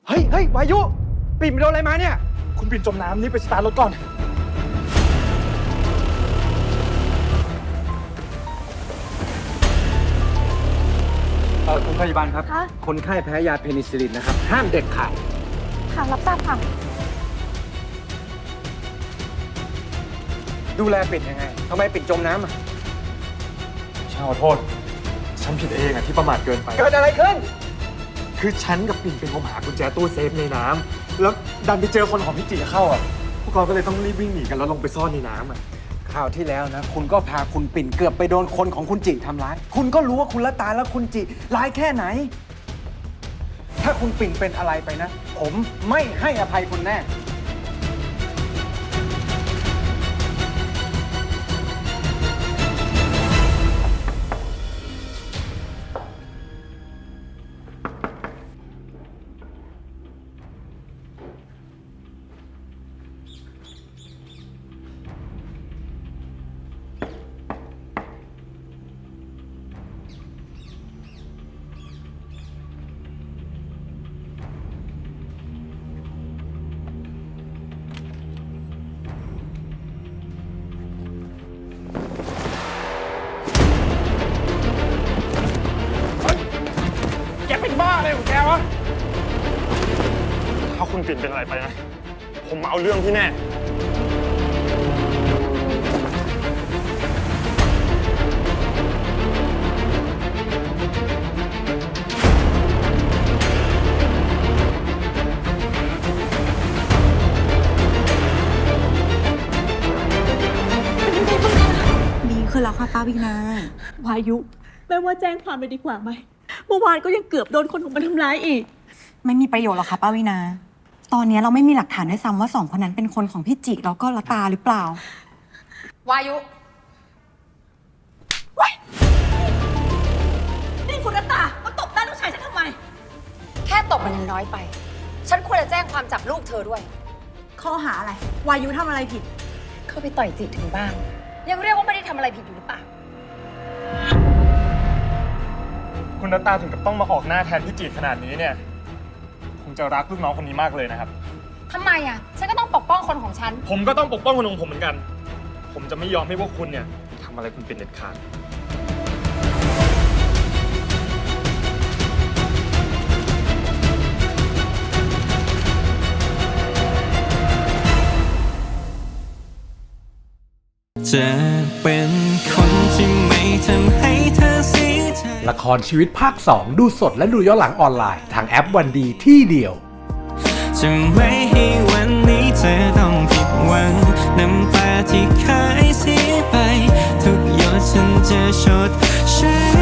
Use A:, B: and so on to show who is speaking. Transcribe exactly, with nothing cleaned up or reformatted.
A: เฮ้ยเฮ้ยวายุปิ่นไปโดนอะไรมาเนี่ย
B: คุณปิ่นจมน้ำนี่ไปสตาร์ทรถก่อน
A: เออคุณพยาบาลครับ
C: คะ
A: คนไข้แพ้ยาเพนิซิลลินนะครับห้ามเด็ดขาด
C: ค่ะรับทราบค่ะ
A: ดูแลปิ่นยังไงทำไมปิ่นจมน้ำอ่ะ
B: ฉันขอโทษฉันผิดเองอะที่ประมาทเกินไป
A: เกิดอะไรขึ้น
B: คือฉันกับปิ่นเป็นคนหากุญแจตู้เซฟในน้ำแล้วดันไปเจอคนของพี่จิเข้าอ่ะพวกเราก็เลยต้องรีบวิ่งหนีกันแล้วลงไปซ่อนในน้ำอ่ะ
A: คราวที่แล้วนะคุณก็พาคุณปิ่นเกือบไปโดนคนของคุณจิทำร้าย คุณก็รู้ว่าคุณละตาและคุณจิร้ายแค่ไหน ถ้าคุณปิ่นเป็นอะไรไปนะ ผมไม่ให้อภัยคุณแน่ แกเป็นบ้าอะไรของแกวะ
B: ถ้าคุณปิ่นเป็นอะไรไปนะผมมาเอาเรื่องพี่แน่
D: ดีขึ้นแล้วค่ะป้าวินา
C: วายุแม่ว่าแจ้งความเลยดีกว่าไหมเมื่อวานก็ยังเกือบโดนคนของมันทำร้ายอีก
D: ไม่มีประโยชน์หรอกค่ะป้าวินา ตอนนี้เราไม่มีหลักฐานด้วยซ้ำว่าสองคนนั้นเป็นคนของพี่จิแล้วก็ละตาหรือเปล่า
E: วายุ
C: นี่คุณรัตตามาตบหน้าลูกชายฉันทำไม
E: แค่ตบมันยังน้อยไป ฉันควรจะแจ้งความจับลูกเธอด้วย
D: ข้อหาอะไร วายุทำอะไรผิด
E: เข้าไปต่อยจิถึงบ้าน ยังเรียกว่าไม่ได้ทำอะไรผิดอยู่หรือเปล่า
B: คุณนัตตาถึงกับต้องมาออกหน้าแทนพี่จิขนาดนี้เนี่ยคงจะรักลูกน้องคนนี้มากเลยนะครับ
E: ทำไมอ่ะ ฉันก็ต้องปกป้องคนของฉัน
B: ผมก็ต้องปกป้องคนของผมเหมือนกัน ผมจะไม่ยอมให้พวกคุณเนี่ยทำอะไรคุณเป็นเด็ดขาด
F: จะเป็นคนที่ไม่ทำให้เธอเสียใจ
G: ละครชีวิตภาคสองดูสดและดูย้อนหลังออนไลน์ทางแอปวันดีที่เดียว
F: จะไม่ให้วันนี้เธอต้องผิดหวังน้ำตาที่เคยเสียไป ทุกหยดฉันจะชดใช้